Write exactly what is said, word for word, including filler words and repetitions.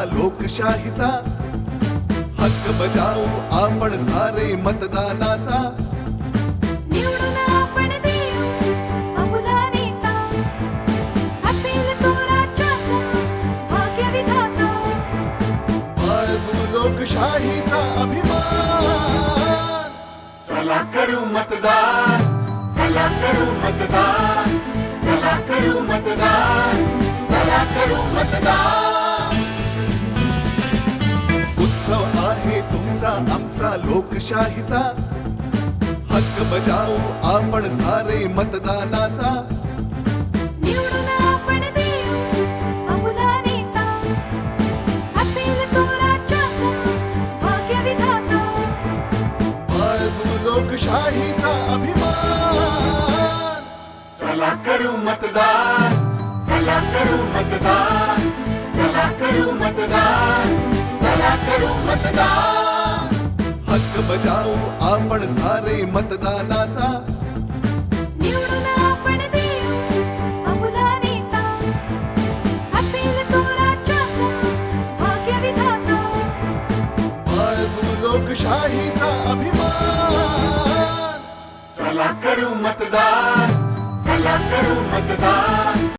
लोकशाहीचा हक्क बजावू आपण सारे मतदानाचा। निवडून आपण देऊ अमुला नेता, असेल जो राज्याचा भाग्यविधाता। बाळगू लोकशाहीचा अभिमान, चला करू मतदान, चला करू मतदान, चला करू मतदान, चला करू मतदान। उत्सव आहे तुमचा आमचा लोकशाहीचा, हक्क बजावू आपण सारे मतदानाचा। निवडून आपण देऊ अमुला नेता, असेल जो राज्याचा भाग्यविधाता। बाळगू लोकशाहीचा अभिमान, चला करू मतदान, चला करू मतदान, चला करू मतदान, चला करू मतदान। हक्क बजावू आपण सारे मतदानाचा। निवडून आपण देऊ अमुला नेता, असेल जो राज्याचा भाग्यविधाता। बाळगू लोकशाहीचा अभिमान, चला करू मतदान, चला करू मतदान।